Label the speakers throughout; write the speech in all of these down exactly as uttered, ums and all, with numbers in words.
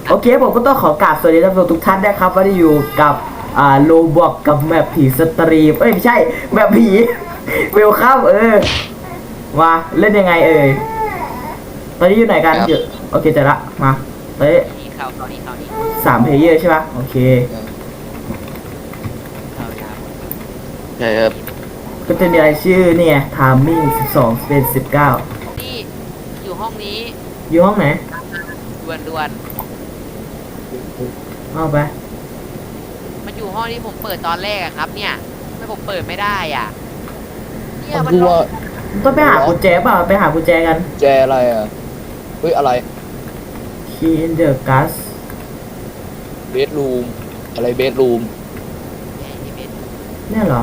Speaker 1: โอเคผมก็ต้องขอกราบสวัสดีท่านผู้ชมทุกท่านนะครับว่าได้อยู่กับอ่าโลบอกกับแมปผีสตรีมเอ้ยไม่ใช่แมปผีเวลคัมเออมาเล่นยังไงเอ่ยตอนนี้อยู่ไหนกันอยู่โอเคเจอละมาเฮ้ย
Speaker 2: นี่เข้าเข้านี่เข้านี่
Speaker 1: สามเพลเยอร์ใช่ปะโอเค
Speaker 2: เข้ายาว
Speaker 3: ใช่ครับ
Speaker 1: ก็จะมีรายชื่อเนี่ย timing สิบสองเป็นสิบเก้า
Speaker 2: นี่อยู่ห้องนี้
Speaker 1: อยู่ห้องไหน
Speaker 2: ด่วนด่วน
Speaker 1: เอาไป
Speaker 2: มันอยู่ห้องที่ผมเปิดตอนแรกอะครับ เนี่ยทำไมผมเปิดไม่ได้อ่ะเนี่ย
Speaker 3: ผม
Speaker 2: มัน
Speaker 3: ดู
Speaker 2: ล็อ
Speaker 3: ว่าก
Speaker 1: ต้องไปหากุญแจเปล่าไปหากุญแจกัน
Speaker 3: แจอะไรอ่ะเฮ้ยอะไร
Speaker 1: key in the gas
Speaker 3: เบดรูมอะไรเบดรูม
Speaker 2: ไอ้ที่เป็น
Speaker 1: เนี่ยเหรอ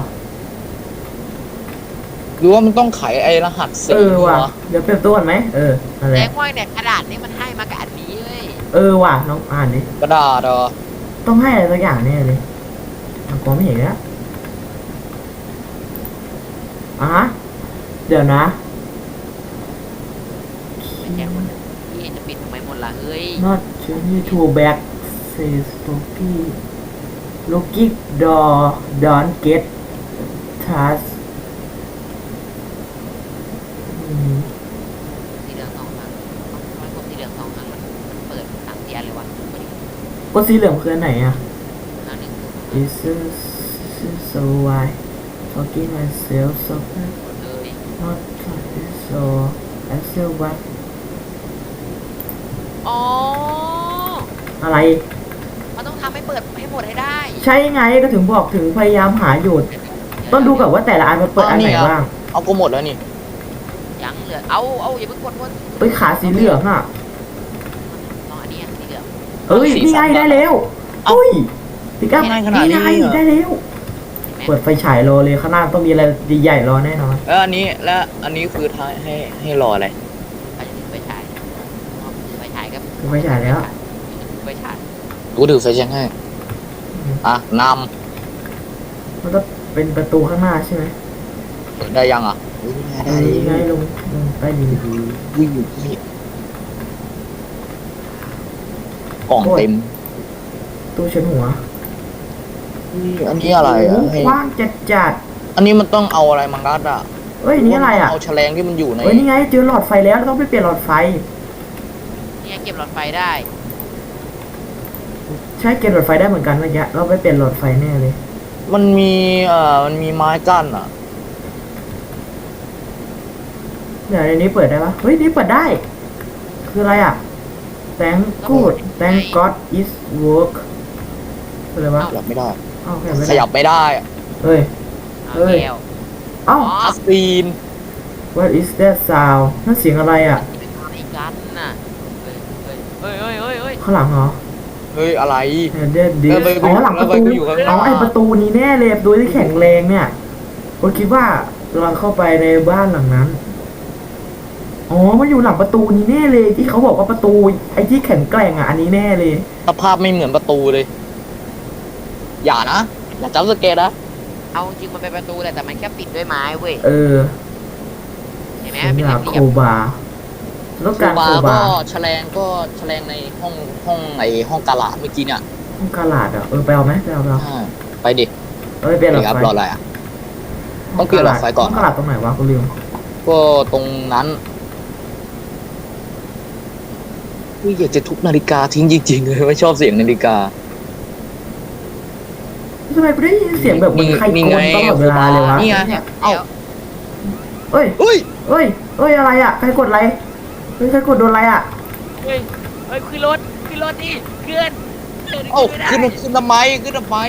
Speaker 3: หรือว่ามันต้องไขไอ้รหัสสี
Speaker 1: เออว่ะ
Speaker 3: วะ
Speaker 1: เดี๋ยวเปลี่ยนตัวก่อนไหมเอออะไร
Speaker 2: แจ้งว่าเนี่ยกระดาษนี่มันให้มากับอันนี้เลย
Speaker 1: เออว่ะน้องอ่านดิ
Speaker 3: กระดาษเหรอ
Speaker 1: ต้องให้อะไรสักอย่างแน่เลยอ่ะกลัวไม่เห็นแล้วอ่ะฮะเดี๋ยวนะ
Speaker 2: ไม่แจ้งคนนี่จะปิดทำไมหมดล่ะเฮ้ย
Speaker 1: not journey to back says Toki looking door don't get task อืม
Speaker 2: สีเหลืองสองครั้งทำไมผมสีเหลืองสองครั้งมันมันเปิดสามเทียนเลยวะไม่ได้
Speaker 1: ก็สีเหลืองคืออันไหนอ่ะ
Speaker 2: ครั้งหนึ่ง
Speaker 1: is so why talking myself so
Speaker 2: เลย
Speaker 1: not so I feel what
Speaker 2: อ๋อ
Speaker 1: อะไร
Speaker 2: มันต้องทำให้เปิดให้หมดให้ได้
Speaker 1: ใช่ไงก็ถึงบอกถึงพยายามหาอยู่ต้องดูกับว่าแต่ละอันมันเปิดอันไหนบ้าง
Speaker 3: เอาก็หมดแล้วนี่
Speaker 2: ยังเหลือเอาเอาอย่าเพิ่งกดหมด
Speaker 1: เอ้ยขาสีเหลืองอ่ะ
Speaker 2: ลองอันนี้อ่ะสีเหลือง
Speaker 1: เอ้ยนี่ไงได้แล้วอุ้ยพี่ก้า
Speaker 3: ง่ายขนาด
Speaker 1: นี่
Speaker 3: นี้
Speaker 1: ไง
Speaker 3: เหรอ
Speaker 1: ได้แล้ว
Speaker 2: เห็นไหม
Speaker 1: เปิดไฟฉายรอเลยข้างหน้าต้องมีอะไรใหญ่ๆรอแน่นอน
Speaker 3: แล้วอันนี้แล้วอันนี้คือท้ายให้ให้รออะไร
Speaker 2: ใครจะถือไฟฉายอ๋อถือไฟฉายครับ
Speaker 1: ถือไฟฉายแล้ว
Speaker 2: ถือไฟฉาย
Speaker 3: กูถือไฟแช็กให้อ่ะน
Speaker 1: มันก็เป็นประตูข้างหน้าใช่ไหม
Speaker 3: ำได้ยังอ่ะอุ๊ยได้
Speaker 1: นี่ไง
Speaker 3: ได้
Speaker 1: ลงลงใต้ดิน
Speaker 3: วิ่งกล่องเต็ม
Speaker 1: ตู้ชั้นหัว
Speaker 3: อุ๊ยอันนี้อะไรอ่ะ
Speaker 1: โโห
Speaker 3: ให้
Speaker 1: กว้างจัดจัด
Speaker 3: อันนี้มันต้องเอาอะไรมางัดอ่ะ
Speaker 1: ๆเอ้ยนี่อะไรอ่ะ
Speaker 3: เอาแฉลงที่มันอยู่ใน
Speaker 1: เอ้ยนี่ไงเจอหลอดไฟแล้วเราต้องไปเปลี่ยนหลอดไฟ
Speaker 2: เนี่ยเก็บหลอดไฟได้
Speaker 1: ใช่เก็บหลอดไฟได้เหมือนกันเมื่อกี้เราไปเปลี่ยนหลอดไฟแน่เลย
Speaker 3: มันมีเอ่อมันมีไม้กั้นอ่ะ
Speaker 1: เดี๋ยวในนี้เปิดได้ปะเฮ้ยนี่เปิดได้ คืออะไรอ่ะ thank good thank god is work คืออะไรวะ
Speaker 3: ขยับไม่ได้
Speaker 1: อ้าวขยับไม่
Speaker 3: ข
Speaker 1: ได้
Speaker 3: ยับไม่ได้อะ
Speaker 1: เฮ้ย
Speaker 2: เอา
Speaker 1: เฮ้ย
Speaker 2: แก้ว
Speaker 1: เอ้า
Speaker 2: อ๋อ
Speaker 3: คัสซีน
Speaker 1: what is that sound นั่นเสียงอะไรอ่ะ
Speaker 2: เป็นอะไรกันน่ะเฮ้ยเฮ้ยเฮ้ยเฮ้ยเฮ้ย
Speaker 1: ข้างหลังเหรอ
Speaker 3: เฮ้ยอะไร
Speaker 1: เด็ดดิ
Speaker 3: แล้วไป
Speaker 1: อ๋อหลังประตู
Speaker 3: แล้วไปอยู่ข้างหน้า
Speaker 1: อ๋อไอประตูนี้แน่เลยประตูที่แข็งแรงเนี่ยผมคิดว่าเราเข้าไปในบ้านหลังนั้น อ๋อมันอยู่หลังประตูนี้แน่เลยที่เขาบอกว่าประตูไอ้ที่แข็งแกร่งอ่ะอันนี้แน่เลย
Speaker 3: สภาพไม่เหมือนประตูเลย อย่านะ อย่าจับสเกตนะ
Speaker 2: เอาจริงมันเป็นประตูแหละแต่มันแค่ปิดด้วยไม้เว้ย
Speaker 1: เออ
Speaker 2: เห็นไหม
Speaker 1: ฉัน
Speaker 2: เป็น
Speaker 1: อยาก
Speaker 2: เห
Speaker 1: โค
Speaker 2: ลี่ยม
Speaker 1: บาต้อง
Speaker 3: โค
Speaker 1: การ
Speaker 3: บา
Speaker 1: โค
Speaker 3: ก็
Speaker 1: บา
Speaker 3: แฉลงก็แฉลงในห้องห้องไอห้องกาลาดเมื่อกี้เนี่ย
Speaker 1: ต้องกาลาดอ่ะเออไปเอาไหมไปเอาไปเอา
Speaker 3: อ่าไปดิ
Speaker 1: เออเปลี่ยนหลอด
Speaker 3: ครับ
Speaker 1: ไฟ
Speaker 3: รออะไรอ่ะ ต้องเปลี่ยนหลอดไฟก่อน
Speaker 1: ต้องกาลาดตรงไหนวะกูลืม
Speaker 3: ก็ตรงนั้นอุ๊ยอยากจะทุบนาฬิกาทิ้งจริงๆเลยไม่ชอบเสียงนาฬิกา
Speaker 1: ทำไมกูได้ยินเสียงแบบเหมือนใครโกนตลอดเวลาเลยวะ
Speaker 3: นี่ไง
Speaker 2: เนี่ย
Speaker 3: เอ้า
Speaker 2: แล้ว
Speaker 1: เอ้ย
Speaker 3: อุ้ย
Speaker 1: เอ้ยเอ้ยอะไรอ่ะใครกดอะไรเฮ้ยใครกดโดนอะไรอ่ะ
Speaker 2: เฮ้ยเฮ้ยขึ้นรถขึ้นรถดิเคลื่อนเคลื่อน
Speaker 3: เอ้า
Speaker 2: ไม่ได้
Speaker 3: ขึ้นขึ้นทำไมขึ้นทำไม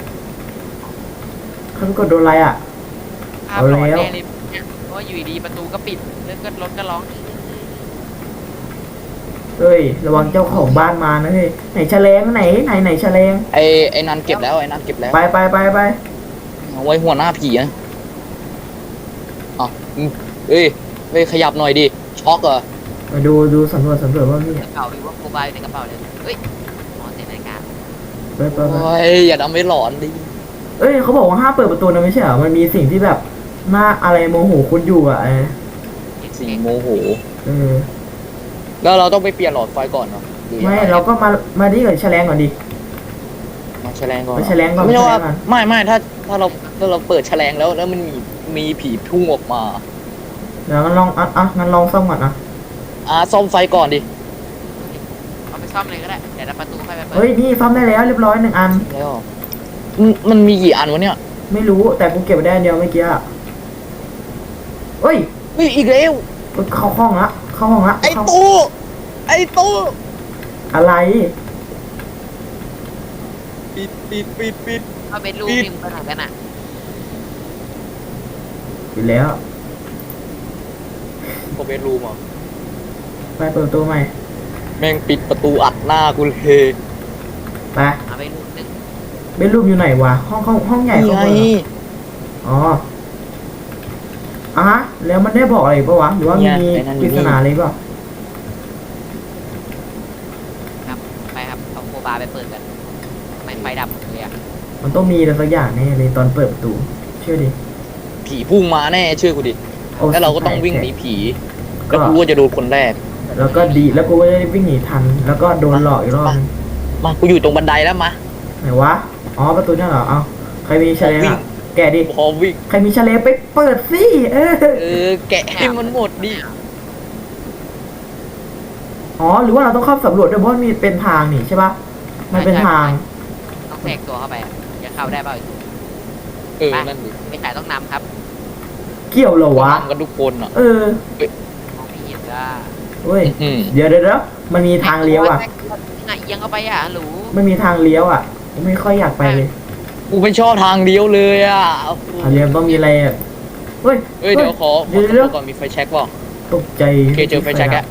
Speaker 1: ใครกดโดนอะไรอ่ะ
Speaker 2: ภาพหลอน
Speaker 1: เอาแล้ว
Speaker 2: แน่เลยเนี่ยเพราะว่าอยู่ดีๆประตูก็ปิดแล้วก็รถก็ร้อง
Speaker 1: เฮ้ยระวังเจ้าของบ้านมานะเฮ้ยไหนแฉลงไหนไหนไหนแฉลง
Speaker 3: ไอไอนันเก็บแล้วไอนันเก็บแล้ว
Speaker 1: ไปไปไปไป
Speaker 3: เอาไว้หัวหน้าผีนะอ๋ออืมเอ้ยเฮ้ยขยับหน่อยดิ ช็อกเหรอ
Speaker 1: มาดูดูสำรวจสำรวจว่ามี
Speaker 2: กระเป๋าหรือว่าโคบายอยู่ในกระเป๋าเลยเฮ้ยหมอเซ็นนาฬิกา
Speaker 1: ไปไปไป
Speaker 3: โอ้ยอย่าทำให้หลอนดิ
Speaker 1: เอ้ยเขาบอกว่าห้ามเปิดประตูนะไม่ใช่เหรอมันมีสิ่งที่แบบหน้าอะไรโมโหคุณอยู่อ่ะเออ
Speaker 3: สิ่งโมโห
Speaker 1: เออ
Speaker 3: แล้วเราต้องไปเปลี่ยนหลอดไฟก่อนเหรอหรือ
Speaker 1: ไม่
Speaker 3: ยังง
Speaker 1: เราก็มามาดีกับแฉลงก่อนดิ
Speaker 3: มาแฉลงก่อน
Speaker 1: ไปแฉลงก่อน
Speaker 3: ไม่ใช่ว่า
Speaker 1: แฉลงก่อน
Speaker 3: ไม่ไม่ถ้าถ้าเราถ้าเราเปิดแฉลงแล้วแล้วมันมีมีผีพุ่งออกมา
Speaker 1: เดี๋ยวงั้นลองอ่ะอ่ะงั้นลองซ่อมก่อนอ่ะ
Speaker 3: อ่าซ่อมไฟก่อนดิ
Speaker 2: เอาไปซ่อมเลยก็ได้เดี๋ยวเราประตูค่อยไปเปิด
Speaker 1: เฮ้ยนี่ซ่อมได้แล้วเรียบร้อยหนึ่งอัน
Speaker 3: แล้วมันมันมีกี่อันวะเนี่ย
Speaker 1: ไม่รู้แต่กูเก็บไว้ได้อันเดียวเมื่อกี้อะเฮ้ย
Speaker 3: เฮ้ยอีกแล้ว
Speaker 1: เข้าห้องละเข้าห้องละ
Speaker 3: ไอ้
Speaker 1: เข้า
Speaker 3: ตู้ไอ้ตู้
Speaker 1: อะไร
Speaker 3: ปิดปิดปิดปิด
Speaker 2: เอาเบดรูม
Speaker 3: ปิด
Speaker 2: นี่มึงไปไหนกันอ่ะ
Speaker 1: ปิดแล้ว
Speaker 3: ก็เบดรูมอ่ะ
Speaker 1: ไปเปิดประตูใหม่
Speaker 3: แม่งปิดประตูอัดหน้ากูเลย
Speaker 1: ไป
Speaker 2: เอาเบดรูมหนึง
Speaker 1: เบดรูมอยู่ไหนวะห้องห้องห้องใหญ่
Speaker 3: นี่
Speaker 1: ห้อง
Speaker 3: ไง
Speaker 1: เบอร์อ๋ออ่ะฮะแล้วมันได้บอกอะไรปะวะหรือว่ามีปริศนาอะไรปะ
Speaker 2: ครับไปครับเอาโคบาร์ไปเปิดกันทำไมไฟดับหมดเลยอ่ะ
Speaker 1: มันต้องมีอะไรสักอย่างแน่เลยตอนเปิดประตูเชื่อดิ
Speaker 3: ผีพุ่งมาแน่เชื่อกูดิ
Speaker 1: โอ้
Speaker 3: แล้วเราก็ต้องวิ่งหนีผี
Speaker 1: ก็
Speaker 3: แล้วกูก็จะโดนคนแรก
Speaker 1: แล้วก็ดีแล้วกูก็จะได้วิ่งหนีทัน แล้วก็โดนหลอกอีกรอบนึง
Speaker 3: มากูอยู่ตรงบันไดแล้วมา
Speaker 1: ไหนวะอ๋อประตูนั่นเหรอเอาใครมีแฉลง
Speaker 3: วิ่ง
Speaker 1: อ่ะแกะดิ
Speaker 3: พอวิ่ง
Speaker 1: ใครมีแฉลงไปเปิดสิเออ
Speaker 3: เออแกะให้มันหมดดิ
Speaker 1: อ๋อหรือว่าเราต้องเข้าสำรวจด้วยเพราะมันมีเป็นทางนี่ใช่ปะมันเป็นทาง
Speaker 2: ต้องแทรกตัวเข้าไปอะจะเข้าได้เปล่า
Speaker 3: เออนั่นดิ
Speaker 2: ไม่ขายต้องนำครับ
Speaker 1: เกี่ยวเหรอวะ
Speaker 3: ทำกันทุกคนอ่ะ
Speaker 1: เออ
Speaker 2: มองไม่เห็นก็
Speaker 1: เว้ย
Speaker 3: อืม
Speaker 1: เดี๋ยวเดี๋ยวเดี๋ยวมันมีทางเลี้ยวอ่ะ
Speaker 2: ไงเอียงเข้าไปอ่ะหรู
Speaker 1: มันมีทางเลี้ยวอ่ะไม่ค่อยอยากไปเลย
Speaker 3: กูไม่ชอบทางเลี้ยวเลยอ่ะ
Speaker 1: ทางเลี้ยวต้องมีอะไรอ่ะเฮ้ย
Speaker 3: เอ้ยเดี๋ยวขอข
Speaker 1: เดี๋
Speaker 3: อ
Speaker 1: ยว
Speaker 3: สำร
Speaker 1: เดี๋ยว
Speaker 3: วจก่อนมีไฟแช็กเปล่า
Speaker 1: ตกใจ
Speaker 3: โอเคเจอไฟแช็กแล้ว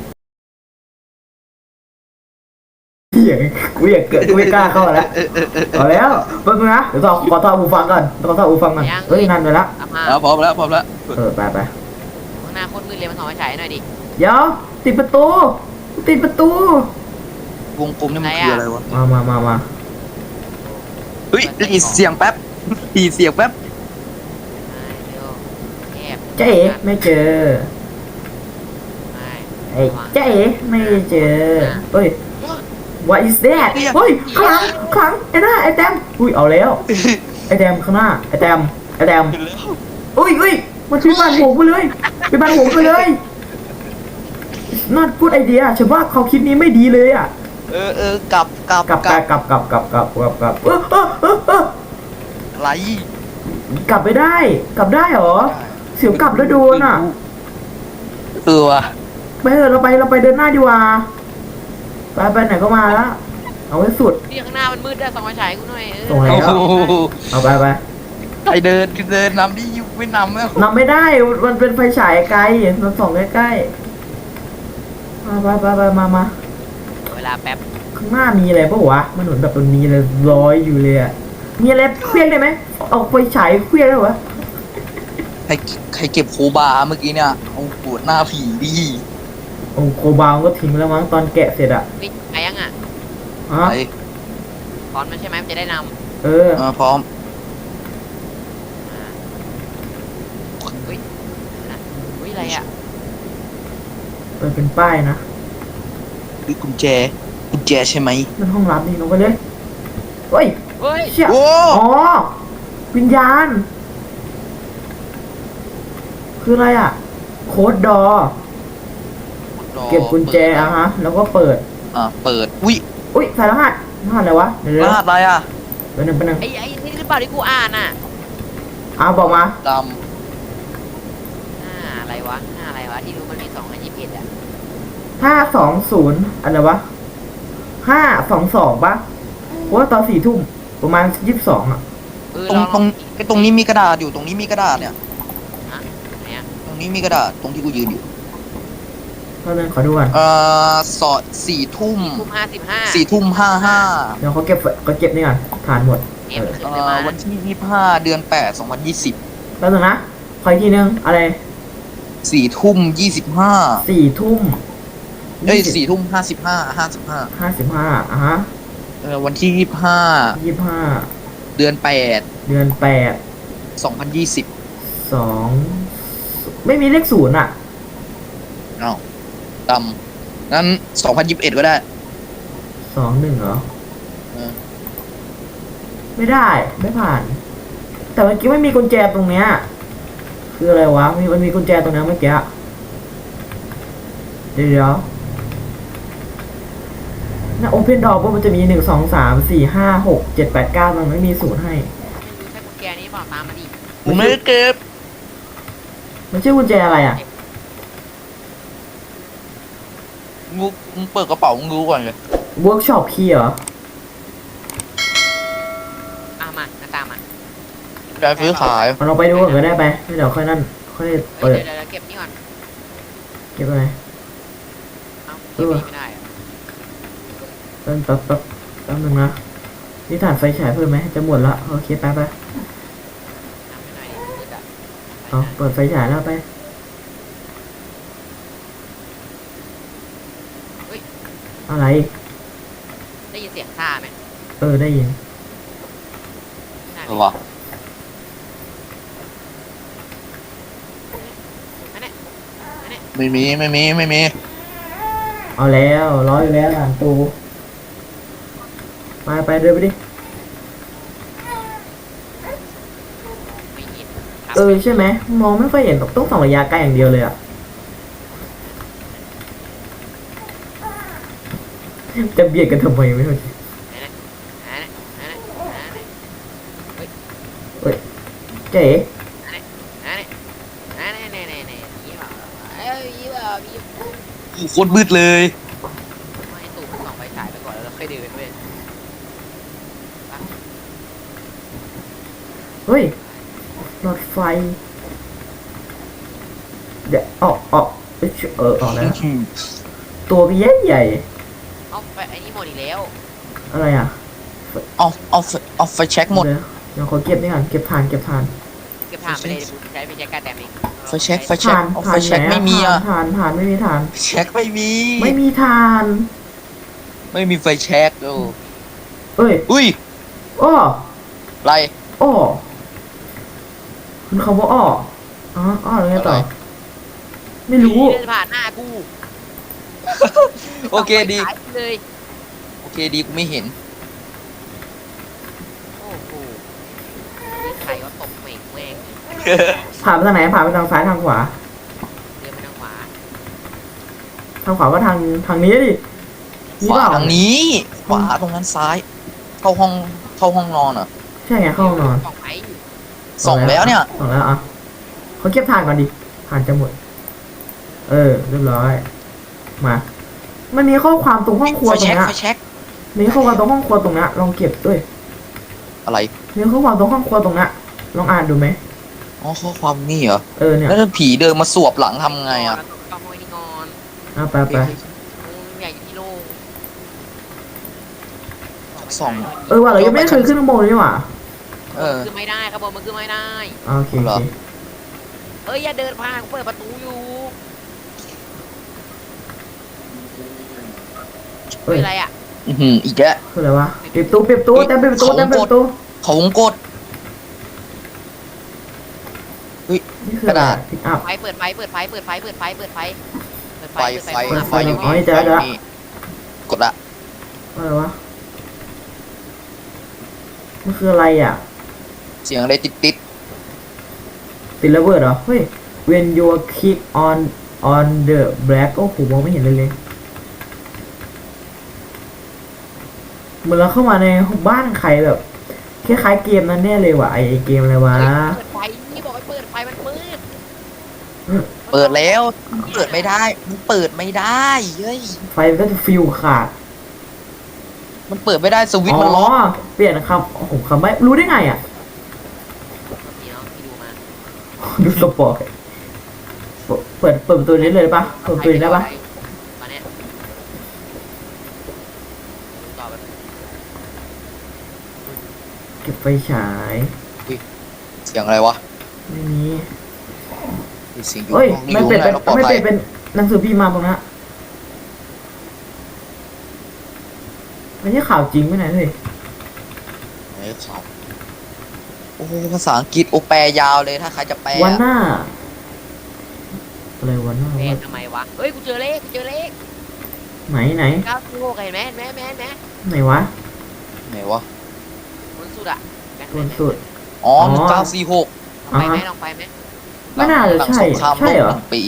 Speaker 1: เหี้ยกูอยากเกิดกูไม่กล้าเข้าแล้วเอาแล้วเพิ่งนะเดี๋ยวต่อขอต่อหูฟังก่อนขอต่อหูฟังก่อนเฮ้ยนั่นไปละ
Speaker 2: เอามา
Speaker 3: แล้วพร้อมแล้วพร้อมแล้ว
Speaker 1: เออไปไป
Speaker 2: ข้างหน้าโคตรมืดเลยมันถอดไฟฉายหน่อยดิ
Speaker 1: เดี๋ยวติดประตู ติดประตู
Speaker 4: วงกลมนี่มันคืออะไรวะ
Speaker 1: มามามามา
Speaker 4: เฮ้ยได้ยินเสียงแป๊บได้ยินเสียงแป๊บ
Speaker 2: เร็วแอบ
Speaker 1: เจ๊ไม่เจอ
Speaker 2: ไม่
Speaker 1: ไอ้เจ๊ไม่เจอเฮ้ย what is that เฮ้ยข้างหลังข้างหลังไอ้หน้าไอ้แตมอุ้ยเอาแล้วไอ้แตมข้างหน้าไอ้แตมไอ้แตมอุ้ยอุ้ยมันไปบ้านผมไปเลยไปบ้านผมไปเลยน่าพูดไอเดียฉันว่าเขาคิดนี้ไม่ดีเลยอ่ะ
Speaker 4: เออเออกลับกลับ
Speaker 1: กลับกลับกลับกลับกลับกลับกลับกลับเออเออเออเออ
Speaker 4: อะไร
Speaker 1: กลับไม่ได้ กลับได้เหรอเสียวกลับแล้วโดนอ่ะ
Speaker 4: เออว่ะ
Speaker 1: ไปเถอะเราไปเราไปเดินหน้าดีกว่าไปไปไหนก็มาแล้วเอาไว้สุด
Speaker 2: นี่ข้างหน้ามันมืดได้ส่องไฟฉายกูหน่อยเออ
Speaker 1: ส่งไหน
Speaker 4: โอ้โห
Speaker 1: เอาไปไป
Speaker 4: ใครเดินเดินนำดิยุไม่นำแล้ว
Speaker 1: นำไม่ได้ มันเป็นไฟฉายไกลมันส่องใกล้ๆมาไปไปไปมามา
Speaker 2: เวลาแป๊บ
Speaker 1: ข้างหน้ามีอะไรปะวะมันเหมือนแบบมันมีอะไรลอยอยู่เลยอะมีอะไรเคลี้ยงได้ไหมเอาไฟฉายเคลี้ยงได้วะ
Speaker 4: ใครใครเก็บโคบาเมื่อกี้เนี่ยเอาปวดหน้าผีดิ
Speaker 1: โอ้โคบาวก็ทิ้งแล้วมั้งตอนแกะเสร็จอะ
Speaker 2: นี่ไปยังอ่ะ
Speaker 1: ฮะ
Speaker 4: ไป
Speaker 2: ตอนมันใช่ไหมมันจะได้น
Speaker 1: เออ
Speaker 4: เออพร้อม
Speaker 2: ำอ่าเฮ้ยนะเฮ้ยอะไรอ่ะ
Speaker 1: เปิดเป็นป้ายนะ
Speaker 4: หรือกุญแจกุญแจใช่ไหม
Speaker 1: มันห้องรับนี่ลงไปเลยเฮ้ย
Speaker 2: เฮ้ย
Speaker 1: เชี่ย
Speaker 4: โอ้
Speaker 1: อ๋อวิญญาณ คืออะไรอะโค้ดดอ เก็บกุญแจอะฮะ แล้วก็เปิด
Speaker 4: อ่าเปิดอุ้ย
Speaker 1: อุ้ยใส่รหัสรหัสอะไรวะเดี๋ยว
Speaker 4: ร
Speaker 1: เดี๋ยว
Speaker 4: หัสอะไรอ่ะ
Speaker 1: เดี๋ยวหนึ่งเป็นหนึ่ง
Speaker 2: ไอ้ไอ้นี่หรือเปล่าที่กูอ่านอ่ะ
Speaker 1: อ้าวบอกมา
Speaker 4: ด
Speaker 2: ห้าอะไรวะห้าอะไรวะที่รู้มันมีสองอันยี่สิบเอ็ดอ่ะ
Speaker 1: ห้าสองศูนย์อะไรวะห้าสองสองปะเพราะว่าตอนสี่ทุ่มประมาณยี่สิบสองอะ
Speaker 2: เออ
Speaker 4: ำตรง
Speaker 2: ลอ
Speaker 4: ตรงไอ้ตรงนี้มีกระดาษอยู่ตรงนี้มีกระดาษเนี่ย
Speaker 2: ฮะไหนอ่ะ
Speaker 4: ตรงนี้มีกระดาษตรงที่กูยืนอยู่
Speaker 1: ตอนนึงขอดูก่อน
Speaker 4: เอ่อสอดสี่ทุ่ม
Speaker 2: ทุ่มห้าสิบห้า
Speaker 4: สี่ทุ่มห้าห้า
Speaker 1: เดี๋ยวเขาเก็บเขาเก็บนี่ก่อนฐานหมด
Speaker 2: เอ็มขึ้น
Speaker 4: เอ่
Speaker 2: เลย
Speaker 4: อ
Speaker 2: มา
Speaker 4: วันที่ยี่สิบห้าเดือนแปดสองพันยี่สิบ
Speaker 1: แล้วนึงนะขออีกทีนึงอะไร
Speaker 4: สี่ทุ่มยี่สิบห้า
Speaker 1: สี่ทุ่ม
Speaker 4: เอ้ยสี่ทุ่มห้าสิบห้าห้าสิบห้า
Speaker 1: ห้าสิบห้าอ่ะฮะ
Speaker 4: เออวันที่ยี่สิบห้า
Speaker 1: ยี่สิบห้า
Speaker 4: เดือนแปด
Speaker 1: เดือนแปด
Speaker 4: สองพันยี่สิบ
Speaker 1: สองไม่มีเลขศูนย์อ่ะ
Speaker 4: อ้าวดำงั้นสองพันยี่สิบเอ็ดก็ได้
Speaker 1: สองหนึ่งเหรอ
Speaker 3: เออ
Speaker 1: ไม่ได้ไม่ผ่าน แต่เมื่อกี้ไม่มีกุญแจตรงเนี้ยคืออะไรวะมีมันมีกุญแจตรงนั้นเมื่อกี้เดี๋ยวเดี๋ยวน่าโอเพนดอร์มันจะมีหนึ่งสองสามสี่ห้าหกเจ็ดแปดเก้ามันไม่มีศูนย์ให้
Speaker 2: ไม่รู้ใช่กุญแจนี้เปล่าตามมาดิ
Speaker 4: กูไม่ได้เก็บ
Speaker 1: มันชื่อกุญแจอะไรอ่ะ
Speaker 4: มึงมึงเปิดกระเป๋ามึงดูก่อนเลย
Speaker 1: เวิร์กช็อปคีย์เหรอ
Speaker 2: อ่ะมาหน้าตามมา
Speaker 4: ได้ซื้อขาย
Speaker 1: เอาเราไปดูก่อนก็ได้ไปเดี๋ยวค่อยนั่นค่อย
Speaker 2: เอ้
Speaker 1: เปิ
Speaker 2: ย
Speaker 1: ด
Speaker 2: เดี๋ยวเดี๋ยวเก็บนี่ก่อน
Speaker 1: เก็บอะไร
Speaker 2: เอ้าเก็บนี่ไม่ได้อะ
Speaker 1: แป๊บแป๊บแป๊บแป๊บนึงนะนี่ถ่านไฟฉายเพิ่มไหมจะหมดละโอเคไปไป
Speaker 2: ทำไม่ได้ดิมืดอะ
Speaker 1: เอาเปิดไฟฉายแล้วไปอะไร
Speaker 2: ได้ยินเสียงท่าไหม
Speaker 1: เออได้ยิน
Speaker 2: น่า
Speaker 4: หรอวะ
Speaker 2: อันเนี้ยอันเนี้ย
Speaker 4: ไม่มีไม่มีไม่มี
Speaker 1: เอาแล้วร้อยอยู่แล้วหลังตูไปไปเดินไปดิ
Speaker 2: ไม่ยินครับ
Speaker 1: เออใช่ไหมมองไม่ค่อยเห็นต้องส่องระยะไกลอย่างเดียวเลยอะจะเบียดกันทำไมไม่เข้าใจ
Speaker 2: อันเนี้ยอันเนี้ยอันเนี้ย
Speaker 1: เจ๊
Speaker 2: อันเนี้ยอันเนี้ยอันเนี้ยอันเนี้ยอันเนี้ยอันเนี้ยยี่ห้อเอ้ยยี่ห้อยี่ห้อ
Speaker 4: โคตรมืดเลย
Speaker 2: ไม่ตู่มันส่องไฟฉายไปก่อนแล้วเราค่อยเดินเว้ย
Speaker 1: เฮ้ยหลอดไฟ เดี๋ยวออกออกเอ้ยเออออกแล้ว ตัวพี่ใหญ่ใหญ่
Speaker 2: เอาไปไอ้นี่หมดอีกแล้ว
Speaker 1: อะไรอ่ะ
Speaker 4: เอาเอาไฟเอาไฟแช็กหมด
Speaker 1: เดี๋ยวเดี๋ยวขอเก็บนี่ก่อนเก็บทานเก็บทาน
Speaker 2: เก็บถ่านไปเลยเดี๋ยวกูใช้ไปใช้การแดมเอง
Speaker 4: ไฟแช็กไฟแช็ก
Speaker 1: ทาน
Speaker 4: เอา
Speaker 1: ทา
Speaker 4: ไฟ
Speaker 1: น
Speaker 4: แช็ก
Speaker 1: ไหน
Speaker 4: ไม่มีอ่ะ
Speaker 1: ทานทานไม่มีทาน
Speaker 4: ไฟแช็กไม่มี
Speaker 1: ไม่มีทาน
Speaker 4: ไม่มีไฟแช็กโอ้
Speaker 1: เอ้ย
Speaker 4: อุ้ย
Speaker 1: อ้อ
Speaker 4: อะไร
Speaker 1: อ้อคุณคำว่าอ้ออ๋ออ้อแล้วไงต่อ
Speaker 4: อะไร
Speaker 1: ไม่รู้
Speaker 2: เดินผ่านหน้ากู
Speaker 4: โอเคดี
Speaker 2: ส่องไฟฉายเลย
Speaker 4: โอเคดีกูไม่เห็น
Speaker 2: โอ้โหนี่ใครก็ตบเหม่งแม่ง
Speaker 1: ผ่านไปทางไหนผ่านไปทางซ้ายทางขวา
Speaker 2: เดินไปทางขวา
Speaker 1: ทางขวาก็ทางทางนี้ดิ
Speaker 4: ขวา
Speaker 1: เปล่
Speaker 4: ทางนี้ ขวาตรงนั้นซ้าย เข้าห้องเข้าห้องนอนอ่ะ
Speaker 1: ใช่ไงเข้าห้องนอน
Speaker 2: ส่องไฟอยู่
Speaker 4: ส่องแล้วเนี่ย
Speaker 1: ส่องแล้วอ่ะเขาเก็บทานก่อนดิทานจะหมด เออเรียบร้อย มา มันมีข้อความตรงห้องครัว
Speaker 4: ไฟ
Speaker 1: ตรง
Speaker 4: แช็ก
Speaker 1: เนี้ย
Speaker 4: ไฟแช็ก
Speaker 1: มีข้อความตรงห้องครัวตรงเนี้ยลองเก็บด้วย
Speaker 4: อะไร
Speaker 1: มีข้อความตรงห้องครัวตรงเนี้ยลองอ่านดูไหม
Speaker 4: อ๋อข้อความนี่เหรอ
Speaker 1: เออเนี่ย
Speaker 4: แล้วถ้าผีเดินมาสวบหลังทำไงอ่ะ
Speaker 2: แล้วต้องห้อยนี่งอน
Speaker 1: อ่ะไปไป
Speaker 2: อืมอยากอยู่ที่โล่ง
Speaker 4: ส่อง
Speaker 1: เออว่ะเรายังไม่เคยขึ้นข้างบนเลยนี่หว่า
Speaker 4: เออ
Speaker 2: คือไม่ได้ครับผมมันคือไม่ได้
Speaker 1: อ่ะโอเคโอ
Speaker 4: เหรอ
Speaker 1: เค
Speaker 2: เอ้ยอย่าเดินผ่านกูเปิดประตูอยู่
Speaker 1: เอ้
Speaker 2: เฮ้
Speaker 1: ย
Speaker 2: ยอะไรอ่ะ
Speaker 4: อือหืออีกแล้ว
Speaker 1: คืออะไรวะปิดตู้ปิดตู้เต็มปิดตู้เต็มปิดตู้
Speaker 4: เขาวงกด
Speaker 1: นี่คืออะไร
Speaker 4: กระดาษ
Speaker 1: พิกอัพ
Speaker 2: ไฟเปิดไฟเปิดไฟเปิดไฟเปิดไฟเปิดไฟเปิดไฟ
Speaker 4: ไฟไฟ
Speaker 2: เปิด
Speaker 4: ไฟอยู่
Speaker 1: อ๋อ
Speaker 4: นี่
Speaker 1: นี่เจอแล้วเจอแล้ว
Speaker 4: นี่กดละ
Speaker 1: อะไรวะมันคืออะไรอ่ะ
Speaker 4: เสียงอะไรติดติด
Speaker 1: ติดระเบิดเหรอ เฮ้ย when you click on on the black โอ้โหมองไม่เห็นเลยเลยเหมือนเราเข้ามาในบ้านใครแบบคล้ายๆเกมนั้นแน่เลยว่ะไอเกมอะไรวะ
Speaker 2: เปิดไฟนี่บอกให้เปิดไฟมันมืด
Speaker 4: ๆเปิดแล้วเปิดไม่ได้มันเปิดไม่ได้เฮ้ย
Speaker 1: ไฟมันก็จะฟิวขาด
Speaker 4: มันเปิดไม่ได้สวิตช์
Speaker 1: อ๋
Speaker 4: มันล็อก
Speaker 1: อ เปลี่ยนคำโอ้โหคำไม่รู้ได้ไงอ่ะ
Speaker 2: นี่เนาะที่ดูมา
Speaker 1: ดูสปอร์ตเปิดเปิดประตูนี้เลยได้ปะเปิดประตูนี้ได้ปะ
Speaker 2: ตอนเนี้ยดูต่อไป
Speaker 1: เก็บไฟฉาย
Speaker 4: เสียงอะไรวะ
Speaker 1: ไม่มี
Speaker 4: มีเสียงอยู่
Speaker 1: เฮ้ย
Speaker 4: ห้อง
Speaker 1: ไม่
Speaker 4: นี้
Speaker 1: เป็น
Speaker 4: อยู่
Speaker 1: เป็น
Speaker 4: ข้างในเราปลอด
Speaker 1: ไม่
Speaker 4: ภั
Speaker 1: เป็
Speaker 4: ย
Speaker 1: นเป็นหนังสือพิมพ์มาตรงนั้นไม่ใช่ข่าวจริงไม่ไหนเลย
Speaker 4: ไหนข่าวโอ้โหภาษาอังกฤษโอแปลยาวเลยถ้าใครจะแปล
Speaker 1: วัน
Speaker 4: อะ
Speaker 1: หน้า อะไรวันหน้า
Speaker 2: แม่
Speaker 1: วะ
Speaker 2: ทำไมวะ เฮ้ย กูเจอเลข กูเจอเลข
Speaker 1: ไหนไหน
Speaker 2: เก้าสี่หกเห็นไหมเห็นไหมเห็นไหมเห็นไหม
Speaker 1: ไหนวะ
Speaker 4: ไหนวะ
Speaker 2: บนสุดอะ
Speaker 1: บนสุด
Speaker 4: อ๋อ
Speaker 1: อ๋อ
Speaker 4: หนึ่งเก้าสี่หก
Speaker 2: ลองไปไหมลองไปไหม
Speaker 1: ไม่น่าจะ
Speaker 4: หลัง
Speaker 1: ใช่
Speaker 4: สงคราม
Speaker 1: ใช่
Speaker 4: โลก
Speaker 1: เหรอ
Speaker 4: หนึ่งปี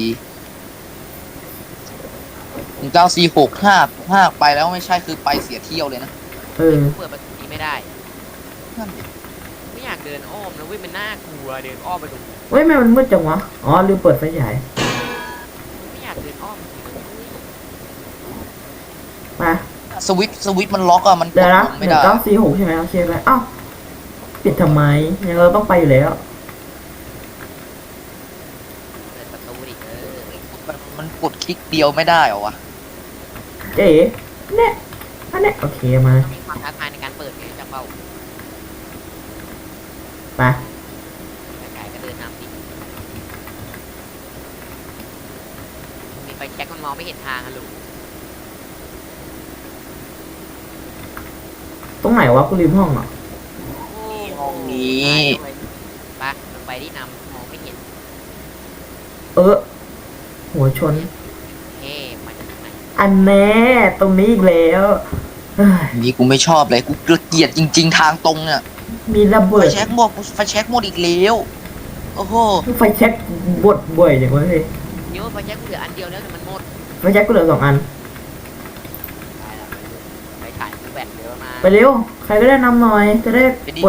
Speaker 4: หนึ่งเก้าสี่หกห้าห้าไปแล้วไม่ใช่คือไปเสียเที่ยวเลยนะ
Speaker 1: เออ
Speaker 2: เปิดประตูนี้ไม่ได้
Speaker 4: นั่นดิ
Speaker 2: ไม่อยากเดินอ้อมนะเว้ยมันน่ากลัวเดินอ้อมไปตรงนี้
Speaker 1: เฮ้ยแม่มันมืดจังวะ อ๋อลืมเปิดไฟฉาย
Speaker 2: ไม่อยากเดินอ้อมจริงๆเลย
Speaker 1: มา
Speaker 4: สวิตช์สวิตช์มันล็อกอะมันก
Speaker 1: เดี๋ย
Speaker 4: ด
Speaker 1: วนะ
Speaker 4: ลง
Speaker 1: ห
Speaker 4: ไม่
Speaker 1: นึ่ง
Speaker 4: ได้
Speaker 1: เก้าสี่หกใช่ไหมโอเคไปอ้าวปิดทำไมยังเราต้องไปอยู่แล้ว
Speaker 2: เปิดประตูดิเออ
Speaker 4: มันมันกดคลิกเดียวไม่ได้เหรอวะ
Speaker 1: เจ๊เนี่ยอันเนี้ยโอเคมา
Speaker 2: ต้องมีความท้าทายในการเปิดไงจะเป้า
Speaker 1: ไป
Speaker 2: ไกลๆก็เดินนำดิมีไฟแช็กมันมองไม่เห็นทางอะลูก
Speaker 1: ตรงไหนวะกูลืมห้องอ่ะ
Speaker 4: ห้องนี้
Speaker 2: ไปลงไปที่นำมองไม่เห็น
Speaker 1: เออ หัวชน
Speaker 2: เฮ้มาจากไหน
Speaker 1: อันแน่ตรงนี้อีกแล้วเฮ้ย
Speaker 4: นี่กูไม่ชอบเลยกูเกลียดจริง ๆ ทางตรงเนี่ย
Speaker 1: มีระ
Speaker 4: ไฟ
Speaker 1: เบิด
Speaker 4: แช็กหมดไฟแช็กหมดอีกแล้วโอ้โห
Speaker 1: ไฟแช็กบดบ่อยอย่างวะเฮ้ย
Speaker 2: เดี๋ยวไฟแช็กเหลืออันเดียวแล้วแต่มันหมด
Speaker 1: ไฟแช็กกูเหลือสองอัน
Speaker 2: ตายแล้วไปถ่ายกูแบตเยอะมา
Speaker 1: ไปเร็ว ใครก็ได้นำหน่อย จะได้
Speaker 4: ไปดิ
Speaker 1: กด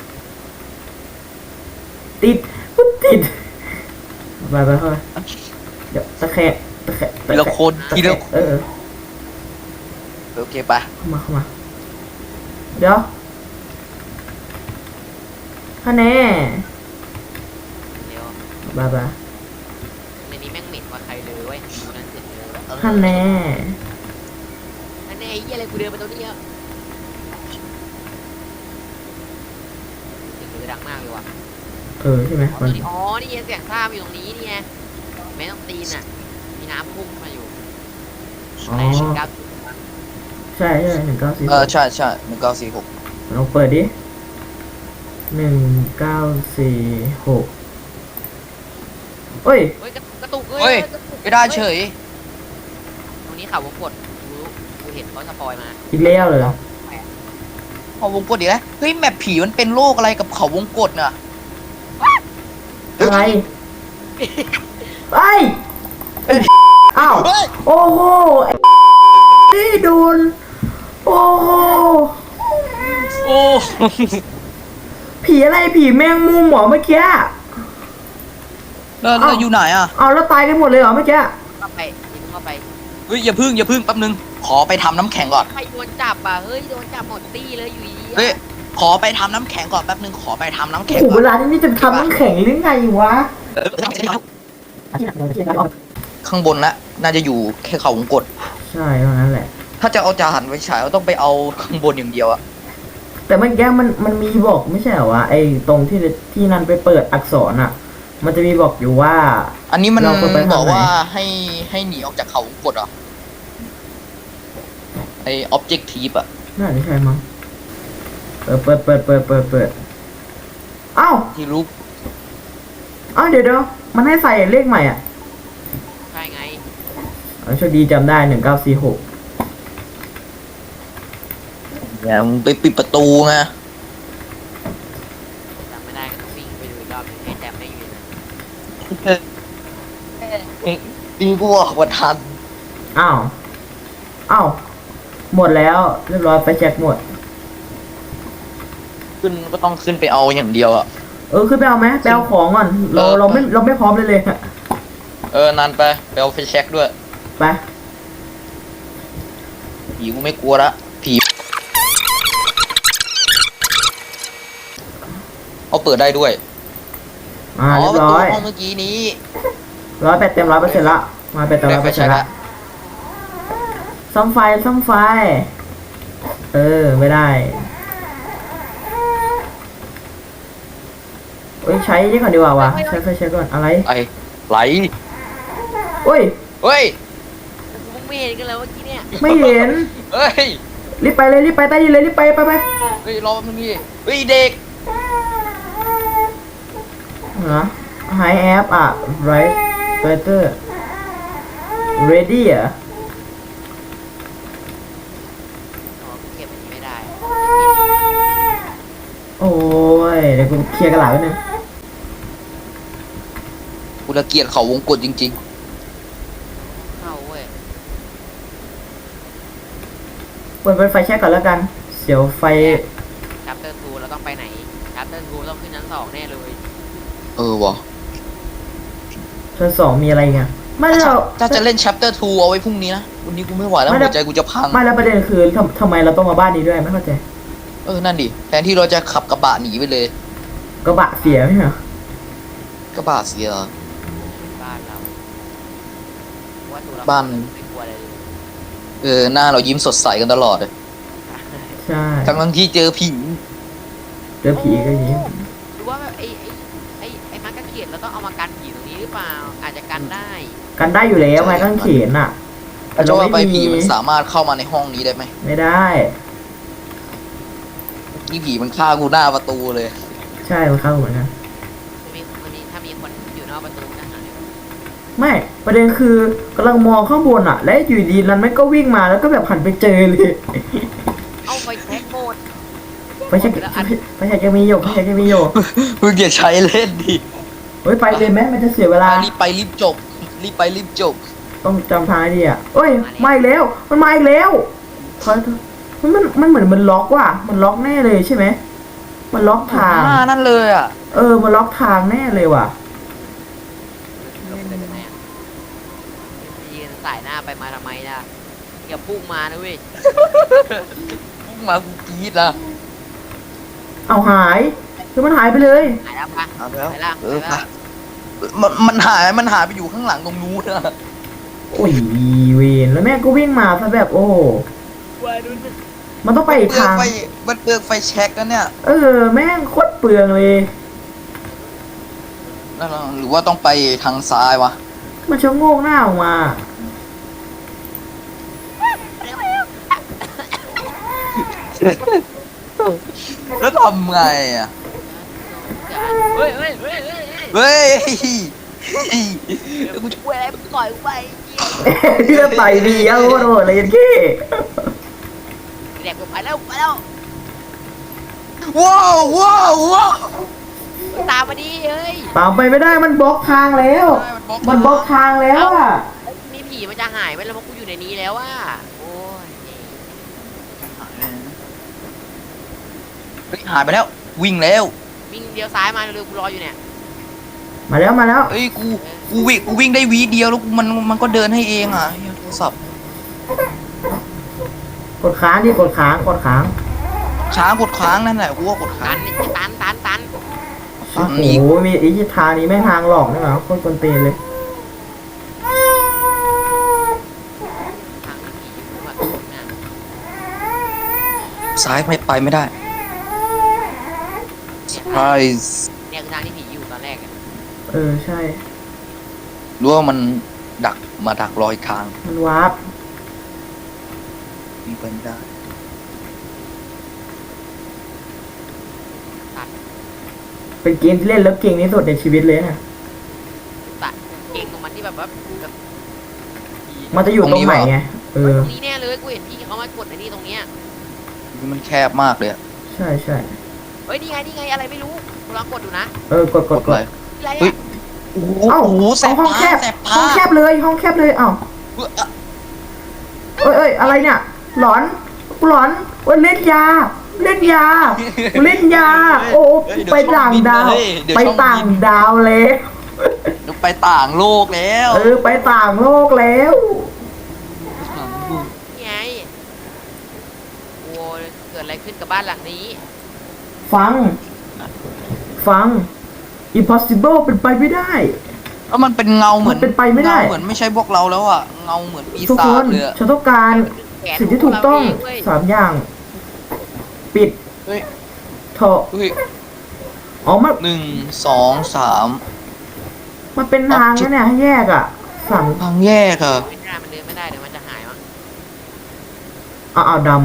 Speaker 1: ติดปุ๊บติดไปไปเข้าไปเดี๋ยวตะแคงตะแคง
Speaker 4: ทีละคน
Speaker 1: ตะ
Speaker 4: ที
Speaker 1: แค
Speaker 4: ละ
Speaker 1: งเออ
Speaker 4: โอเคไป
Speaker 1: เข้ามาเข้ามา เดี๋ยวคะแนน
Speaker 2: เดี๋ยว
Speaker 1: บายบาย
Speaker 2: ในนี้แม่งเหม็นกว่าใครเลยเว้ยดูนั่นเสร็จเลยเออ
Speaker 1: คะแนน
Speaker 2: นั่นไอ้เหี้ยอะไรกูเดินไปตรงนี้เยอะเสียงมือดังมากเลยว่ะ
Speaker 1: เออใช่ไหมมัน
Speaker 2: อ๋อ นี่ไงเสียงท่าอยู่ตรงนี้นี่ไงแม่ต้องตีนอ่ะ มีน้ำพุ่งมาอยู่
Speaker 1: อ๋อ
Speaker 2: ในหนึ่งเก้า
Speaker 1: ใช่ใช่หนึ่งเก้าสี่
Speaker 4: เออใช่ใช่หนึ่งเก้าสี่หก
Speaker 1: ลองเปิดดิหนึ่งเก้าสี่หกเฮ้ย
Speaker 2: เฮ้ยกระกระตุก
Speaker 4: เฮ้ย
Speaker 2: กระตุก
Speaker 4: ไม่ได้เฉย
Speaker 2: ตรงนี้ข่าววงกดกูรู้กูเห็นเขาสปอยมา
Speaker 1: อีกแล้วเลยเหรอ
Speaker 4: เขาวงกดอีกแล้วเฮ้ยแมปผีมันเป็นโรคอะไรกับเขาวงกดน่ะ
Speaker 1: อะไรไอ้ยอ้าว
Speaker 4: เฮ้ย
Speaker 1: โอ้โหไอ้นี่โดนโอ้โห
Speaker 4: โอ้
Speaker 1: ผีอะไรผีแมงมุมเหรอเมื่อกี้
Speaker 4: แล้วแล้วอยู่ไหนอ่ะ
Speaker 1: เอาแล้วตายกันหมดเลยเหรอเมื่อกี้
Speaker 2: เข้าไปยิงเข้าไป
Speaker 4: เฮ้ยอย่าพึ่งอย่าพึ่งแป๊บนึงขอไปทำน้ำแข็งก่อน
Speaker 2: ใครโดนจับอ่ะ เฮ้ย โดนจับหมดตี้เลยอยู่ดีๆ
Speaker 4: เฮ้ย
Speaker 2: อะ
Speaker 4: ขอไปทำน้ำแข็งก่อนแป๊บนึงขอไปทำน้ำ
Speaker 1: โอ้
Speaker 4: แข็ง
Speaker 1: โห
Speaker 4: ก่
Speaker 1: เว
Speaker 4: อน
Speaker 1: ลานี้นี่จะทำน้ำแข็งหรือไงวะ
Speaker 4: เออข้างบนละน่าจะอยู่แค่เขาวงกด
Speaker 1: ใช่เท่านั้นแหละ
Speaker 4: ถ้าจะเอาจานไปฉายก็ต้องไปเอาข้างบนอย่างเดียวอะ
Speaker 1: แต่เมื่อกี้มันมันมีบอกไม่ใช่เหรอวะไอ้ตรงที่ที่นั่นไปเปิดอักษรอ่ะ มันจะมีบอกอยู่ว่า
Speaker 4: อันนี้มัน
Speaker 1: เราควรไปทางไหน
Speaker 4: บอกว่าให้ให้หนีออกจากเขาวงกดเหรอไอออบเจกทีฟอะ
Speaker 1: น่าจะใช่มั้งเปิดเปิดเปิดเปิดเปิดเปิดเอ้า
Speaker 4: ที่รู้
Speaker 1: เอ้าเดี๋ยวเดี๋ยวมันให้ใส่เลขใหม่อ่ะ
Speaker 2: ใช่ไง
Speaker 1: เอาโชคดีจำได้หนึ่งเก้าสี่หก
Speaker 4: อย่ามึงไปปิดประตูไง
Speaker 2: จำไม่ได้ก็ต้องวิ่งไปดูอีกรอบหนึงให้แจมไม่อยู่นะ
Speaker 4: ดีกว่าว่าทัน
Speaker 1: อ้าวอ้าวหมดแล้วเรียบร้อยไปแจ็คหมด
Speaker 4: ขึ้นก็ต้องขึ้นไปเอาอย่างเดียวอะ
Speaker 1: เออขึ้นไปเอาไหมไปเอาของก่อนเรา
Speaker 4: เออ
Speaker 1: เราไม่เราไม่พร้อมเลยเลย
Speaker 4: เออนานไปไปเอาไฟแช็กด้วย
Speaker 1: ไป
Speaker 4: ผีกูไม่กลัวละผีเอาเปิดได้ด้วย
Speaker 1: อ่าเรียบ
Speaker 4: ประตู
Speaker 1: ร้อย
Speaker 4: ห้องเมื่อกี้นี้
Speaker 1: ร้อยแปดเต็มร้อยเปอร์เซ็นต์ละมาแปดเต็มร้อยเปอร์เซ็นต์ละซ่อมไฟซ่อมไฟ เออไม่ได้เอ้ยใช้นี่ก่อนดีกว่าวะใช้ไฟใช้ก่อนอะไร
Speaker 4: ไอไหล
Speaker 1: เอ้ย
Speaker 4: เฮ้ย
Speaker 2: มึงไม่เห็นกันเลยเมื่อกี้เนี่ย
Speaker 1: ไม่เห็น
Speaker 4: เฮ้ย
Speaker 1: รีบไปเลยรีบไปใต้ดินเลยรีบไปไปไป
Speaker 4: เฮ้ยรอมันนี่เฮ้ยเด็ก
Speaker 1: เหรอ High app อ่ะ right better ready อ่ะยวกูเคลียร์กระดาษไว้นึง
Speaker 4: กูละเกียดเขาวงกตจริง
Speaker 2: เข้าเว้ย
Speaker 1: เปิดเป็นไฟแช็กก่อนแล้วกันเดี๋ยวไฟ
Speaker 2: ชัปเตอร์ทูเราต้องไปไหนชัปเตอร์ทูต้องขึ้นชั้นสองแน่เลย
Speaker 4: ๆ เออวะ
Speaker 1: ชั้นสองมีอะไรไงไม่เรา
Speaker 4: ถ้าจะเล่น chapter ทูเอาไว้พรุ่งนี้นะ วันนี้กูไม่ไหวแล้ว
Speaker 1: ไม่ได้
Speaker 4: หัวใจกูจะพัง
Speaker 1: ไม่แล้วประเด็นคือทำทำไมเราต้องมาบ้านนี้ด้วยไม่เข้าใจ
Speaker 4: เออ นั่นดิ แทนที่เราจะขับกระบะหนีไปเลย
Speaker 1: กระบะเสียไหมเหรอก
Speaker 4: ระบะเสีย
Speaker 2: บ้านเราว่าตัวเรา
Speaker 4: บ้าน
Speaker 2: ไม่กลัวอะไรเลย
Speaker 4: เออ หน้าเรายิ้มสดใสกันตลอดเลย
Speaker 1: ใช่
Speaker 4: ทั้งทั้งที่เจอผี
Speaker 1: เจอผีก็อย่างนี้
Speaker 2: หรือว่าแบบไอ้ไอ้ไอ้ไอ้มักกะเขียนเราต้องเอามากันผีตรงนี้หรือเปล่าอาจจะกันได้
Speaker 1: กันได้อยู่แล้วไม้กางเขนอ่ะ
Speaker 4: แล้วจะว่าไป
Speaker 1: ม่
Speaker 4: ผีมันสามารถเข้ามาในห้องนี้ได้ไหม
Speaker 1: ไม่ได้
Speaker 4: นี่ผีมันฆ่ากูหน้าประตูเลย
Speaker 1: ใช่มันเข้าเหมือนกัน
Speaker 2: มันมีมันมีถ้ามีคนอยู่นอกประตูนะหาย
Speaker 1: ไม่ประเด็นคือกำลังมองข้างบนอ่ะ และอยู่ดีนั้นมันก็วิ่งมาแล้วก็แบบหันไปเจอเลย
Speaker 2: เอาไฟแท็กโหมด
Speaker 1: ไปใช่ไปใช่จะมีอยู่ไปใช่จะมีอยู่
Speaker 4: มึงอย่าใช้เล่นดิ
Speaker 1: เฮ้ยไปเลยไหมมันจะเสียเวลา
Speaker 4: รีบไปรีบจบ รีบไปรีบจบ
Speaker 1: ต้องจำทางให้ดีอ่ะเอ้ยมาอีกแล้วมันมาอีกแล้วเฮ้ยมันมันมันเหมือนมันล็อกว่ะมันล็อกแน่เลยใช่ไหมมันล็อกทาง
Speaker 4: หน้านั่นเลยอ่ะ
Speaker 1: เออมันล็อกทางแน่เลยว่ะ
Speaker 2: ลงไปเลยกันแน่ยืนสายหน้าไปมาทำไมนะอย่าพุ่งมานะเว้ย
Speaker 4: พุ่งมากูกรี๊ดละ
Speaker 1: เอาหายคือมันหายไปเลย
Speaker 2: หายแล้วปะ
Speaker 4: เอาแล้ว
Speaker 2: ไปแล้ว
Speaker 4: เออ
Speaker 2: ไปแล้ว
Speaker 4: มันมันหายมันหายไปอยู่ข้างหลังตรงนู้นอะ
Speaker 1: โอ้ยเวนแล้วแม่งก็วิ่งมาซะแบบโอ้โหมันต้องไปอีก
Speaker 4: เปลือก
Speaker 1: ทาง
Speaker 4: ไฟมันเปลือกไฟแช็กแล้วเนี่ย
Speaker 1: เออแม่งโคตรเปลืองเลย
Speaker 4: แล้วเราหรือว่าต้องไปทางซ้ายวะ
Speaker 1: มันชะโงกหน้าออกมา
Speaker 4: แล้วทำไงอ่ะ
Speaker 2: เฮ้ยเฮ้ยเฮ้ยเฮ้ยเฮ้ย
Speaker 4: เฮ้ย
Speaker 2: เดี๋ยวกูช่วยอะไรมึงต่อยกูไป
Speaker 1: เพื่อไปดีเอาโคตรโหดเลยยันกี้
Speaker 2: เด็กกูไปแล้วไปแล้ว
Speaker 4: ว้าวว้าวว้าว
Speaker 2: ตามมาดิเฮ้ย
Speaker 1: ตามไปไม่ได้มันบล็อกทางแล้ว มันบล็อกทางแล้วอ่ะ
Speaker 2: มีผีมันจะหายไปแล้วเพราะกูอยู่ในนี้แล้วอ่ะโอ้ย
Speaker 4: เฮ้ยหายไปแล้ว วิ่งแล้ว
Speaker 2: วิ่งเลี้ยวซ้ายมาเร็วๆกูรออยู่เนี่ย
Speaker 1: มาแล้วมาแล้ว
Speaker 4: เอ้ยกูกูวิ่งกูวิ่งได้วีเดียวแล้วกูมันมันก็เดินให้เองอ่ะเหี้ยโทรศัพท์
Speaker 1: กดค้างดิกดค้างกดค้าง
Speaker 4: ช้างกดค้างนั่นแหละกูว่ากดค้า
Speaker 2: ตั
Speaker 4: ง
Speaker 2: นตันตันตัน
Speaker 4: อื
Speaker 1: โอ้
Speaker 4: ม
Speaker 1: โหมีไอ้ที่ทางนี้ไม่ทางหลอกนี่หรอโคตรกวนตีนเลย
Speaker 2: ทางผีอยู่แบบนะ
Speaker 4: ซ้ายไม่ไปไม่ได้ surprise
Speaker 2: เนี่ยคือทางที่ผีอยู่ตอนแรกอะ
Speaker 1: เออใช่
Speaker 4: รู้ว่ามันดักมาดักรอยทาง
Speaker 1: มันวาร์ป
Speaker 4: มีไปไม่ได้
Speaker 1: เป็นเกมที่เล่นแล้วเก่งที่สุดในชีวิตเลยนะ
Speaker 2: ตัดเก่งตรงมันที่แบบว่าแบบผี
Speaker 1: มันจะอยู่ตรงไหนไงเอ
Speaker 2: เฮ้ย
Speaker 1: อ
Speaker 2: ตรงนี้แน่เลยกูเห็นพี่เขามากดไอ้นี่ตรงเนี้ย
Speaker 4: มันแคบมากเลยอะ
Speaker 1: ใช่ใช่
Speaker 2: เฮ้ยนี่ไงนี่ไงอะไรไม่รู้กูลองกดดูนะ
Speaker 1: เออกดกดก
Speaker 4: เล
Speaker 1: ด
Speaker 4: ย
Speaker 2: อะไร
Speaker 4: เฮ้ย
Speaker 2: อะ
Speaker 4: โอ้โห
Speaker 1: เอ้า
Speaker 4: โอ้โหแสบ
Speaker 1: ห้องแค
Speaker 4: ตา
Speaker 1: บ
Speaker 4: แสบ
Speaker 1: ห้
Speaker 4: ตา
Speaker 1: องแคบเลยห้องแคบเลยเอ้า
Speaker 4: เฮ้ยอะ
Speaker 1: เอ้ยเอ้ยอะไรเนี่ย หลอนกูหลอนเอ้ยเล่นยา เล่นยากูเล่นยา โอ้ไปต่างดาว ไปต่างดาวแล้ว
Speaker 4: เดี๋ยวไปต่างโลกแล้ว
Speaker 1: เออไปต่างโลกแล้ว
Speaker 2: นี่ไงโอ้ยเกิดอะไรขึ้นกับบ้านหลังนี้
Speaker 1: ฟัง ฟัง impossible เป็นไปไม่ได้
Speaker 4: แล้วมันเป็นเงาเหมือน
Speaker 1: มันเป็นไปไม่ได้
Speaker 4: เงาเหมือนไม่ใช่พวกเราแล้วอ่ะเงาเหมือนปี
Speaker 1: ทุก
Speaker 4: ศา
Speaker 1: ค
Speaker 4: จ
Speaker 1: น
Speaker 4: เลยอะ
Speaker 1: ฉันต้องการ
Speaker 2: แขน
Speaker 1: สิ่งที่ถูกต้อง
Speaker 2: ขเราเเว้ย
Speaker 1: สามอย่าง ปิด
Speaker 4: เฮ้ย
Speaker 1: เถอะ
Speaker 4: เฮ้ย
Speaker 1: อ๋อมัน
Speaker 4: หนึ่งสองสาม
Speaker 1: มันเป็นทางนะเนี่ยให้แยกอ่ะสั่ง
Speaker 4: ทางแยกอะ
Speaker 2: ไม่ได้มันเดินไม่ได้เดี๋ยวมันจะหายมั้ง
Speaker 1: เอาเอาดำ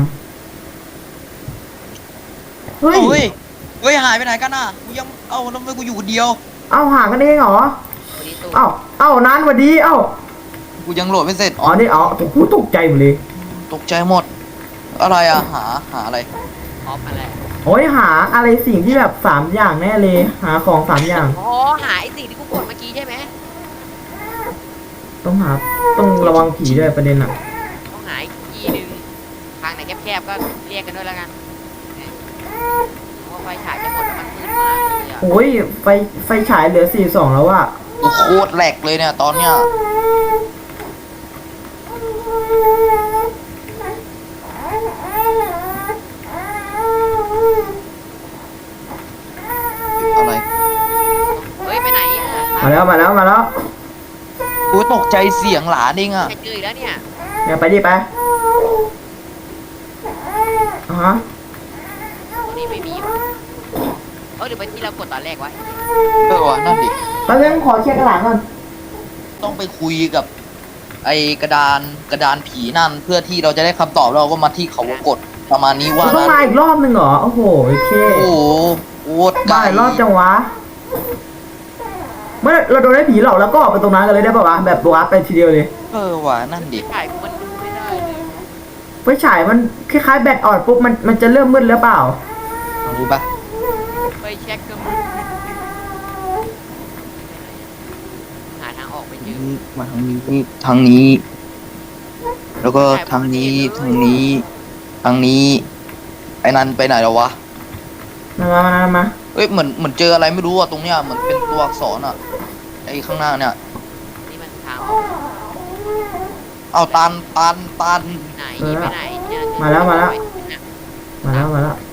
Speaker 1: เฮ้ย
Speaker 4: เฮ้ยเฮ้ยหายไปไหนกันน่ะกูยังเอ้าแล้วทำไมกูอยู่คนเดียว
Speaker 1: เอาหากันเองเหรอ
Speaker 2: วันนี้ตู้
Speaker 1: เอาเอานานกว่าดีเอ้า
Speaker 4: กูยังโหลดไม่เสร็จ
Speaker 1: อ๋อนี่อ๋อกูตกใจหมดเลย
Speaker 4: ตกใจหมด อะไรอะหาหาอะไร
Speaker 2: พร้อมมาแล้ว
Speaker 1: โอ้ยหาอะไรสิ่งที่แบบสามอย่างแน่เลย หาของสามอย่าง
Speaker 2: อ๋อหาไอ้สิ่งที่กูกดเมื่อกี้ใช่ไหม
Speaker 1: ต้องหาต้องระวังผีด้วยประเด็นอ่ะ
Speaker 2: ต้องหาอีกที่หนึ่งทางไหนแคบๆก็เรียกกันด้วยแล้วกันเพราะว่าไฟฉายจะหมดแล้วมันมืดมากเลยอะ
Speaker 1: โอ้ยไฟไฟฉายเหลือสี่สองแล้วอะ
Speaker 4: โอ้โคตรแหลกเลยเนี่ยตอนเนี้ยอะไร
Speaker 2: เฮ้ยไปไหนอะ
Speaker 1: มาแล้วมาแล้วมาแล้ว
Speaker 4: กูตกใจเสียงหลานเองอ่ะ
Speaker 2: ใครเจออีกแล้วเนี่ย
Speaker 1: เนี่ยไปดิไปอ่าฮะ
Speaker 2: ตรงนี้ไม่มีวะเออหรือไปที่เรากดตอนแรกวะ
Speaker 4: เออวะนั่นดิ
Speaker 1: แป๊บนึงขอเคลียร์กระดาษก่อน
Speaker 4: ต้องไปคุยกับ ไอกระดานกระดานผีนั่น เพื่อที่เราจะได้คำตอบแล้วเราก็มาที่เขาวงกดประมาณนี้ว่า
Speaker 1: เราต้อง
Speaker 4: งั้น
Speaker 1: มาอีกรอบหนึ่งเหรอ โอ้โหโอเค
Speaker 4: โอ้โหโคตรไกล
Speaker 1: มาอีกรอบจังวะเมื่อเราโดนได้ผีหลอกแล้วก็ออกไปตรงนั้นกันเลยได้ป่าวะแบบวาร์ปไปทีเดียวเลย
Speaker 4: เออวะนั่นดิ
Speaker 2: ถ่ายกูมันดูไม่ได้เลย
Speaker 1: ไฟฉายมันคล้ายๆแบตอ่อนปุ๊บมันมันจะเริ่มมืดแล้วเปล่า
Speaker 4: รู้ปะ
Speaker 2: ไปเช็คก็มึงหาทางออกไม่เจอ
Speaker 4: มาทางนี้ทางนี้ แล้วก็ทางนี้ทางนี้ทางนี้ ไอ้นันไปไหนแล้ววะ
Speaker 1: มามามามา
Speaker 4: เอ้ยเหมือนเหมือนเจออะไรไม่รู้อ่ะตรงเนี้ยเหมือนเป็นตัวอักษรอ่ะไอ้ข้างหน้าเนี่ย
Speaker 2: นี่มันทางออก
Speaker 4: เอาตันตันตัน
Speaker 2: ไหนไปไหนเนี่ย
Speaker 1: มาแล้วมาแล้วมาแล้วมาแล้ว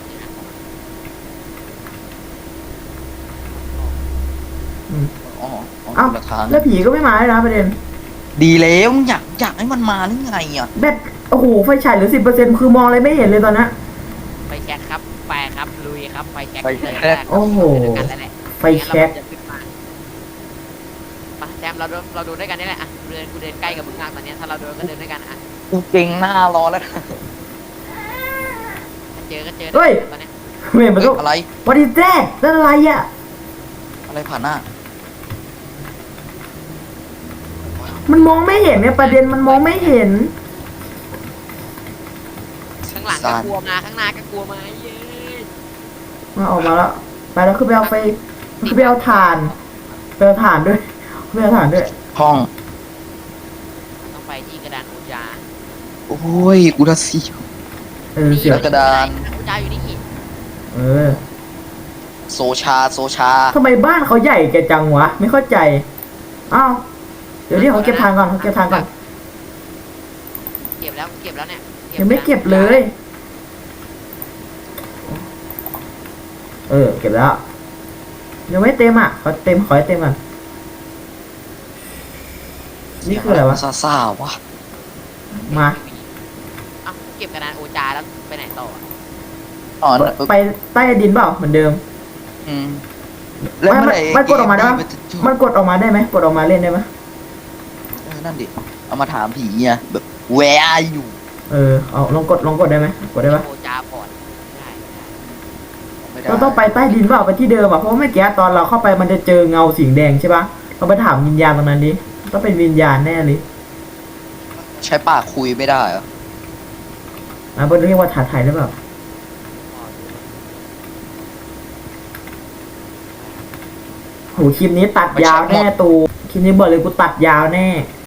Speaker 1: อืม
Speaker 4: อ๋ออ๋อ
Speaker 1: เอ้า
Speaker 4: คนละทาง
Speaker 1: แล้วผีก็ไม่มาเลยนะประเด็น
Speaker 4: ดีแล้วอยากอยากให้มันมาหรือไงอ่ะ
Speaker 1: แบตโอ้โหไฟฉายเหลือสิบเปอร์เซ็นต์คือมองอะไรไม่เห็นเลยตอนนั้น
Speaker 2: ไปเช็คครับไปครับลุยครับไปเช็ค
Speaker 1: โอ้โห
Speaker 2: กันแล้วแหละ
Speaker 1: ไฟแช็ก
Speaker 2: ไปแซมเราดูเราดูด้วยกันนี่แหละอ่ะเดินกูเดินใกล้กับมึงมากตอนเนี้ยถ้าเราเดินก็เดินด้วยกันอ่ะ
Speaker 4: กูเก่งหน้ารอแล้ว
Speaker 2: ถ้าเจอก็เจอ
Speaker 1: เฮ้ย
Speaker 2: ตอนเนี้ย
Speaker 1: เฮ้ยมัน
Speaker 4: เฮ้
Speaker 1: ก็
Speaker 4: ยอะไร
Speaker 1: วันนี้แจ๊ดนั่นอะไรอ่ะ
Speaker 4: อะไรผ่านหน้า
Speaker 1: มันมองไม่เห็นเนี่ยประเด็นมันมองไม่เห็น
Speaker 2: ข้างหลังก็กลัวมาข้างหน้าก็กลัวมาเย้
Speaker 1: มาออกมาแล้วไปแล้วคือไปเอาไฟคือไปเอาถ่านไปเอาถ่านด้วยไปเอาถ่านด้วย
Speaker 4: ห้อง
Speaker 2: ต้องไปที่กระดานอุจา
Speaker 4: โอ้ยกูจะเสียว
Speaker 1: เออเสียว
Speaker 4: กระดาน
Speaker 2: อุจาอยู่นี่
Speaker 1: เออ
Speaker 4: โซชาโซชา
Speaker 1: ทำไมบ้านเขาใหญ่แกจังวะไม่เข้าใจอ้าวเดี๋ยวนี้เขาเก็บทางก่อนเขาเก็บทางก่อน
Speaker 2: เก็บแล้วเก็บแล้วเนี่ย
Speaker 1: ยังไม่เก็บเลย เออเก็บแล้วยังไม่เต็มอ่ะขอเต็มขอให้เต็มก่อนนี่คืออะไรวะ
Speaker 4: ซาซาวะ
Speaker 1: มา
Speaker 2: เอ้าเก็บกระดานโอจาแล้วไปไหนต่อ
Speaker 4: อ๋อ
Speaker 1: ไปใต้ดินเปล่าเหมือนเดิม
Speaker 4: อืม
Speaker 1: ไม่มันมันกดออกมาได้ปะ
Speaker 4: เจะจบ
Speaker 1: มันกดออกมาได้ไหมกดออกมาเล่นได้ไหม
Speaker 4: เออนั่นดิเอามาถามผีไงแบบ where are you
Speaker 1: เออเอาลองกดลองกดได้ไหมกดได้ปะ
Speaker 2: โอจาพอร์ตได้
Speaker 4: ไม่ได้
Speaker 1: เราต้องไปใต้ดินเปล่าไปที่เดิมอ่ะเพราะว่าเมื่อกี้ตอนเราเข้าไปมันจะเจอเงาสีแดงใช่ปะเราไปถามวิญญาณตรงนั้นดิต้องเป็นวิญญาณแน่เลย
Speaker 4: ใช้ปากคุยไม่ได้เหรอ
Speaker 1: นะเบนเรียกว่าถาไทยหรือเปล่าโหคลิปนี้ตัดยาวแน่ตูคลิปนี้บอกเลยกูตัดยาวแน่